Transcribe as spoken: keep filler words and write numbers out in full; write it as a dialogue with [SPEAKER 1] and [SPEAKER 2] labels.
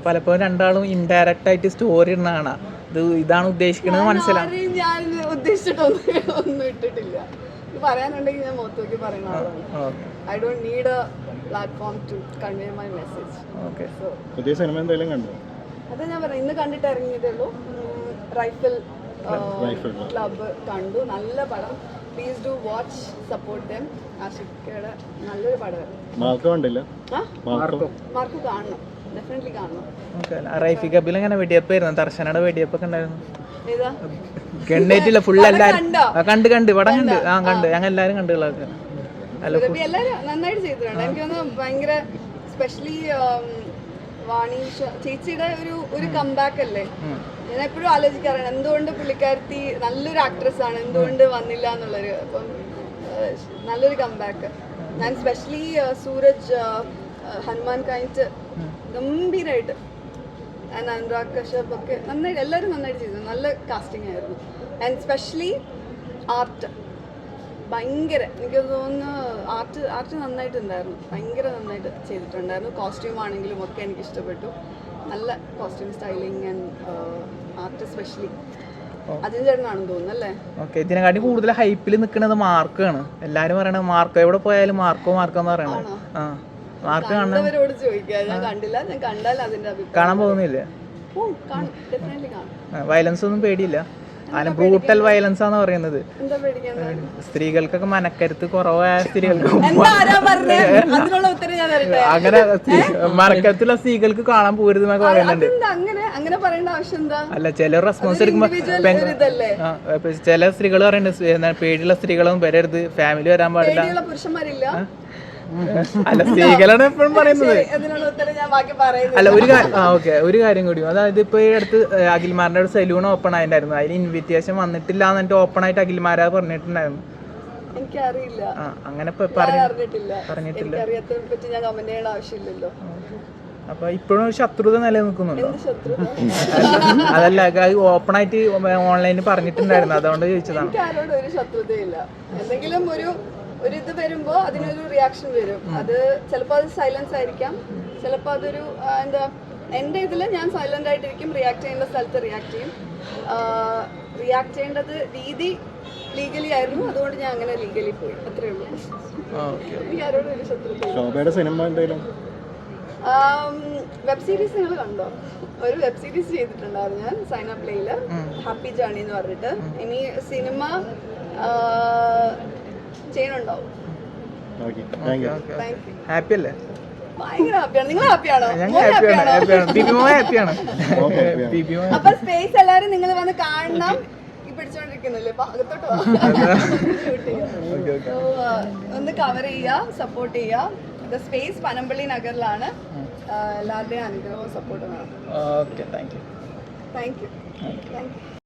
[SPEAKER 1] പലപ്പോഴും രണ്ടാളും ഇൻഡയറക്റ്റ് ആയിട്ട് സ്റ്റോറി ഇടുന്ന കാണാം. ഇത് ഇതാണ് ഉദ്ദേശിക്കുന്നത് മനസ്സിലാവും.
[SPEAKER 2] ഞാൻ ഉദ്ദേശിച്ചിട്ടൊന്നും ഒന്നും ഇട്ടിട്ടില്ല. പറയാനുണ്ടെങ്കിൽ ഞാൻ മൊത്തത്തിൽ പറയുന്ന ആളാണ്. I don't need a platform to convey my message.
[SPEAKER 1] Okay.
[SPEAKER 3] പുതിയ സിനിമ എന്തെങ്കിലും കണ്ടോ?
[SPEAKER 2] അത് ഞാൻ പറയാം, ഇന്ന് കണ്ടിട്ട് ഇറങ്ങിയതേ ഉള്ളൂ. റൈഫിൾ ക്ലബ്ബ് കണ്ടു. നല്ല പടം. Please do watch, support them. ആഷിഖയുടെ നല്ലൊരു പടമായിരുന്നു.
[SPEAKER 3] മാർക്ക് കണ്ടില്ല?
[SPEAKER 2] മാർക്ക് കാണണം, ഡെഫിനറ്റ്ലി കാണണം.
[SPEAKER 1] റൈഫി കബിൽ എങ്ങനെ വെടിയപ്പായിരുന്നു? ദർശനയുടെ വെടിയപ്പൊക്കെ ഉണ്ടായിരുന്നു.
[SPEAKER 2] ഏതാ
[SPEAKER 1] ഗണ്ണേറ്റില്ല ഫുൾ എല്ലാരും കണ്ട് കണ്ട് പടം കണ്ട് ആ കണ്ട് ഞങ്ങൾ എല്ലാരും കണ്ടുകളൊക്കെ
[SPEAKER 2] എല്ലാരും നന്നായിട്ട് ചെയ്തിട്ടുണ്ട്. എനിക്ക് തോന്നുന്നു ഭയങ്കര സ്പെഷ്യലി വാണീഷ ചേച്ചിയുടെ ഒരു ഒരു കംബാക്ക് അല്ലേ. ഞാൻ എപ്പോഴും ആലോചിക്കാറാണ് എന്തുകൊണ്ട് പുള്ളിക്കാരത്തി നല്ലൊരു ആക്ട്രസ് ആണ്, എന്തുകൊണ്ട് വന്നില്ല എന്നുള്ളൊരു. അപ്പം നല്ലൊരു കംബാക്ക്. ഞാൻ സ്പെഷ്യലി സൂരജ് ഹനുമാൻ കഴിഞ്ഞിട്ട് ഗംഭീരമായിട്ട് ആൻഡ് അനുരാഗ് കശ്യപ് ഒക്കെ നന്നായിട്ട് എല്ലാവരും നന്നായിട്ട് ചെയ്തു. നല്ല കാസ്റ്റിംഗ് ആയിരുന്നു. ആൻഡ് സ്പെഷ്യലി ആർട്ട് ഭയങ്കര, എനിക്ക് തോന്നുന്നു ആർട്ട് ആർട്ട് നന്നായിട്ടുണ്ടായിരുന്നു. ഭയങ്കര നന്നായിട്ട് ചെയ്തിട്ടുണ്ടായിരുന്നു. കോസ്റ്റ്യൂം ആണെങ്കിലും ഒക്കെ എനിക്ക് ഇഷ്ടപ്പെട്ടു. നല്ല costume styling and art specially Ajin ചേട്ടനാണെന്ന് തോന്നുന്നു അല്ലേ.
[SPEAKER 1] ഓക്കെ. ഇതിനെക്കാട്ടി കൂടുതൽ ഹൈപ്പിൽ നിൽക്കുന്നത് മാർക്കാണ്. എല്ലാരും പറയണത് മാർക്കോ, എവിടെ പോയാലും മാർക്കോ മാർക്കോ എന്ന് പറയണത്. ആ മാർക്ക്
[SPEAKER 2] കാണുന്നവരോട് ചോദിക്കുക. ഞാൻ കണ്ടില്ല, ഞാൻ കണ്ടാൽ അതിന്റെ
[SPEAKER 1] കാണാൻ പോകുന്നില്ല. വയലൻസ് ഒന്നും പേടിയില്ല? അതിന് ബ്രൂട്ടൽ വയലൻസ് ആണെന്ന് പറയുന്നത്. സ്ത്രീകൾക്കൊക്കെ മനക്കരുത്ത് കുറവായ സ്ത്രീകൾക്ക് അങ്ങനെ മനക്കരുത്തുള്ള സ്ത്രീകൾക്ക് കാണാൻ പോരുത് എന്നൊക്കെ പറയുന്നുണ്ട്. അല്ല ചില റെസ്പോൺസ് എടുക്കുമ്പോ ചില സ്ത്രീകൾ പറയുന്നുണ്ട് പേടിയുള്ള സ്ത്രീകളൊന്നും വരരുത്, ഫാമിലി വരാൻ പാടില്ല.
[SPEAKER 2] പുരുഷന്മാരില്ല.
[SPEAKER 1] അല്ല സ്ത്രീകളാണ് എപ്പോഴും പറയുന്നത്. അല്ല ഒരു കാര്യം ആ ഓക്കെ ഒരു കാര്യം കൂടി, അതായത് ഇപ്പൊ ഈ അടുത്ത് അഖിൽമാരുടെ ഒരു സലൂൺ ഓപ്പൺ ആയിട്ടുണ്ടായിരുന്നു. അതിന് ഇൻവിറ്റേഷൻ വന്നിട്ടില്ല എന്നിട്ട് ഓപ്പൺ ആയിട്ട് അഖിൽമാരാ പറഞ്ഞിട്ടുണ്ടായിരുന്നു.
[SPEAKER 2] എനിക്കറിയില്ല,
[SPEAKER 1] അങ്ങനെ പറഞ്ഞിട്ടില്ല. അപ്പൊ ഇപ്പോഴും ശത്രുത നിലനിൽക്കുന്നുണ്ടോ? അതല്ല ഓപ്പൺ ആയിട്ട് ഓൺലൈനിൽ പറഞ്ഞിട്ടുണ്ടായിരുന്നു, അതുകൊണ്ട് ചോദിച്ചതാണ്.
[SPEAKER 2] ഒരു ശത്രുതയില്ല. എന്തെങ്കിലും ഒരു ഒരു ഇത് വരുമ്പോ അതിനൊരു റിയാക്ഷൻ വരും. അത് ചിലപ്പോൾ അത് സൈലൻസ് ആയിരിക്കാം, ചിലപ്പോൾ അതൊരു എന്താ. എൻ്റെ ഇതിൽ ഞാൻ സൈലന്റ് ആയിട്ടിരിക്കും, റിയാക്ട് ചെയ്യേണ്ട സ്ഥലത്ത് റിയാക്ട് ചെയ്യും. റിയാക്ട് ചെയ്യേണ്ടത് രീതി ലീഗലി ആയിരുന്നു, അതുകൊണ്ട് ഞാൻ അങ്ങനെ ലീഗലി പോയി, അത്രേ ഉള്ളൂ. എനിക്ക് ആരോടും ഒരു ശത്രുത. വെബ് സീരീസ് നിങ്ങൾ കണ്ടോ? ഒരു വെബ് സീരീസ് ചെയ്തിട്ടുണ്ടായിരുന്നു ഞാൻ സൈന പ്ലേയില്, ഹാപ്പി ജേർണി എന്ന് പറഞ്ഞിട്ട്. ഇനി സിനിമ ചെയ്യണുണ്ടാവും.
[SPEAKER 1] ഹാപ്പി അല്ലേ?
[SPEAKER 2] ഭയങ്കര ഹാപ്പിയാണ്. നിങ്ങൾ ഹാപ്പിയാണോ?
[SPEAKER 1] ഹാപ്പിയാണ്.
[SPEAKER 2] അപ്പൊ സ്പേസ് എല്ലാരും നിങ്ങൾ വന്ന് കാണണം. ഈ പിടിച്ചോണ്ടിരിക്കുന്നില്ലേ, അകത്തോട്ട് ഒന്ന് കവർ ചെയ്യുക, സപ്പോർട്ട് ചെയ്യുക. ദ സ്പേസ് പനമ്പള്ളി നഗറിലാണ്. എല്ലാവരുടെയും അനുഗ്രഹവും സപ്പോർട്ടും വേണം.
[SPEAKER 1] Okay, thank you.
[SPEAKER 2] Thank you thank U